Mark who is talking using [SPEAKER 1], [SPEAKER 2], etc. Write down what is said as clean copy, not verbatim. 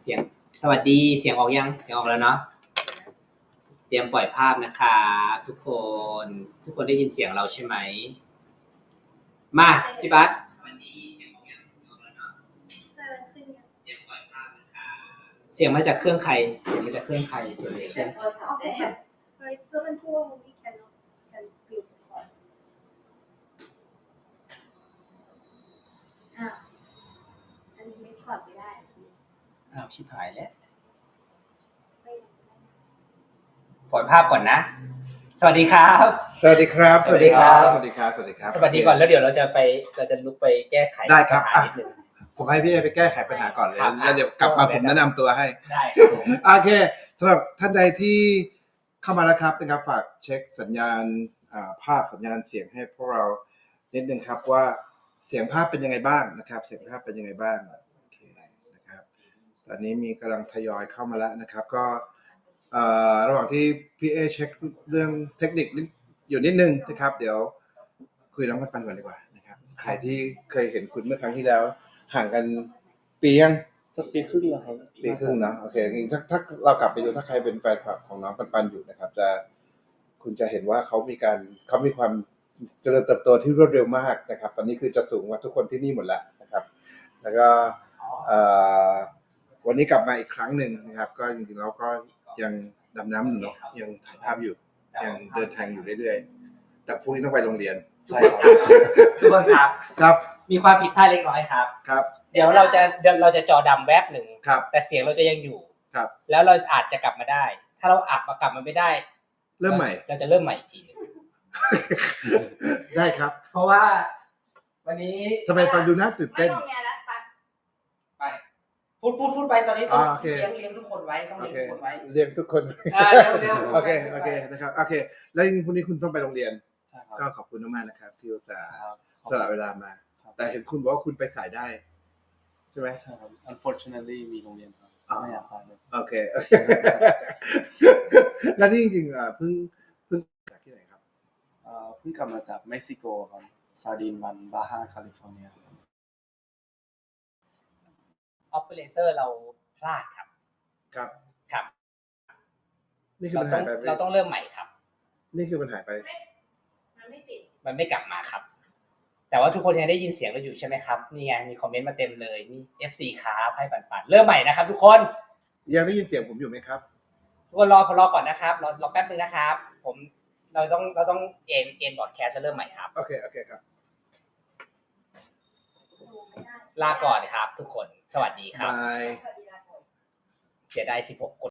[SPEAKER 1] เสียงสวัสดีเสียงออกยังเสียงออกแล้วเนาะเตรียมปล่อยภาพนะคะทุกคนได้ยินเสียงเราใช่ไหมมาพี่บัสสวัสดีเสียงออกยังออกแล้วเนาะเตรียมปล่อยภาพนะคะเสียงมาจากเครื่องใครเสียงมาจากเครื่องใครเสียงมาจากเครื่อง
[SPEAKER 2] Sorry, เพื่อเป็นพวกนี้can view ก่อนอันนี้ไม่ถอดไม่ได้
[SPEAKER 1] อ้าวชิบหายแล้วปล่อยภาพก่อนนะสวัสดีครับ
[SPEAKER 3] สวัสดีครับสวัสดีครับสวัสดีครับสวัสดีครับ
[SPEAKER 1] สวัสดีก่อนแล้วเดี๋ยวเราจะลุกไปแก้ไข
[SPEAKER 3] ได้ครับ
[SPEAKER 1] นิดนึง
[SPEAKER 3] ผมให้พี่ไปแก้ไขปัญหาก่อนเลยแล้วเดี๋ยวกลับมาผมแนะนำตัวให้
[SPEAKER 1] ได้ครับ
[SPEAKER 3] โอเคสำหรับท่านใดที่เข้ามาแล้วครับนะครับฝากเช็คสัญญาณภาพสัญญาณเสียงให้พวกเรานิดนึงครับว่าเสียงภาพเป็นยังไงบ้างนะครับเสียงภาพเป็นยังไงบ้างโอเคนะครับตอนนี้มีกำลังทยอยเข้ามาแล้วนะครับก็ระหว่างที่พี่เช็คเรื่องเทคนิคอยู่นิดนึงนะครับเดี๋ยวคุยน้องปันก่อนดีกว่านะครับใครที่เคยเห็นคุณเมื่อครั้งที่แล้วห่างกันปียัง
[SPEAKER 4] สักปีครึ่งแล้วครับ
[SPEAKER 3] ปีครึ่งนะโอเคถ้าเรากลับไปดูถ้าใครเป็นแฟนคลับของน้องปันอยู่นะครับคุณจะเห็นว่าเขามีความเจริญเติบโตที่รวดเร็วมากนะครับตอนนี้คือจะสูงกว่าทุกคนที่นี่หมดแล้วนะครับแล้วก็วันนี้กลับมาอีกครั้งหนึ่งนะครับก็จริงๆแล้วก็ยังดำน้ำอยู่เนาะยังถ่ายภาพอยู่ยังเดินทางอยู่เรื่อยๆแต่พรุ่งนี้ต้องไปโรงเรียน
[SPEAKER 1] ใช่ครับทุกคนครับมีความผิดพลาดเล็กน้อยครับ
[SPEAKER 3] ครับ
[SPEAKER 1] เดี๋ยวเราจะจอดำแวบหนึ่ง
[SPEAKER 3] ครับ
[SPEAKER 1] แต่เสียงเราจะยังอยู่
[SPEAKER 3] ครับ
[SPEAKER 1] แล้วเราอาจจะกลับมาได้ถ้าเรากลับมาไม่ได้
[SPEAKER 3] เริ่มใหม่
[SPEAKER 1] เราจะเริ่มใหม่อีกทีนึง
[SPEAKER 3] ได้ครับ
[SPEAKER 1] เพราะว่าวันนี้
[SPEAKER 3] ทำไมฟังดูน่าตื่นเต้น
[SPEAKER 1] ไปพูดไปตอนนี้ต้องเลี้ยงทุกคนไว้ต้องเลี้ยงทุกคนไว้
[SPEAKER 3] เลี้ยงทุกคน
[SPEAKER 1] เร็ว
[SPEAKER 3] โอเคนะครับโอเคแล้วจริงๆพรุ่งนี้คุณต้องไปโรงเรียนก็ขอบคุณมากนะครับที่อุตส่าห์สละเวลามาแต่เห็นคุณบอกว่าคุณไปสายได้ใช่ไหม
[SPEAKER 4] ใช่ครับ unfortunately มีโรงเรียนครับไม่อยากไปเลย
[SPEAKER 3] โอเคแล้วนี่จริงๆเพิ่งจากที่ไหนครับ
[SPEAKER 4] เพิ่งกลับมาจากเม็กซิโกครับซาร์ดินวันบาฮาแคลิฟอร์เนียครับ
[SPEAKER 1] ออปเปอเรเตอร์เราพลาดครับ
[SPEAKER 3] นี่คือปัญหาไป
[SPEAKER 1] เราต้องเริ่มใหม่ครับ
[SPEAKER 3] นี่คือปัญหาไป
[SPEAKER 2] มันไม่ติด
[SPEAKER 1] มันไม่กลับมาครับแต่ว่าทุกคนยังได้ยินเสียงเราอยู่ใช่ไหมครับนี่ไงมีคอมเมนต์มาเต็มเลยนี่ FC ครับให้ปันเริ่มใหม่นะครับทุกคน
[SPEAKER 3] ยังได้ยินเสียงผมอยู่ไหมครับ
[SPEAKER 1] ทุกคนรอก่อนนะครับรอแป๊บนึงนะครับเราต้องเอ็นบอร์ดแคสต์จะเริ่มใหม่ครับ
[SPEAKER 3] โอเคครับ
[SPEAKER 1] ลาก่อนครับทุกคนสวัสดีครับ
[SPEAKER 3] บาย
[SPEAKER 1] เสียดาย16คน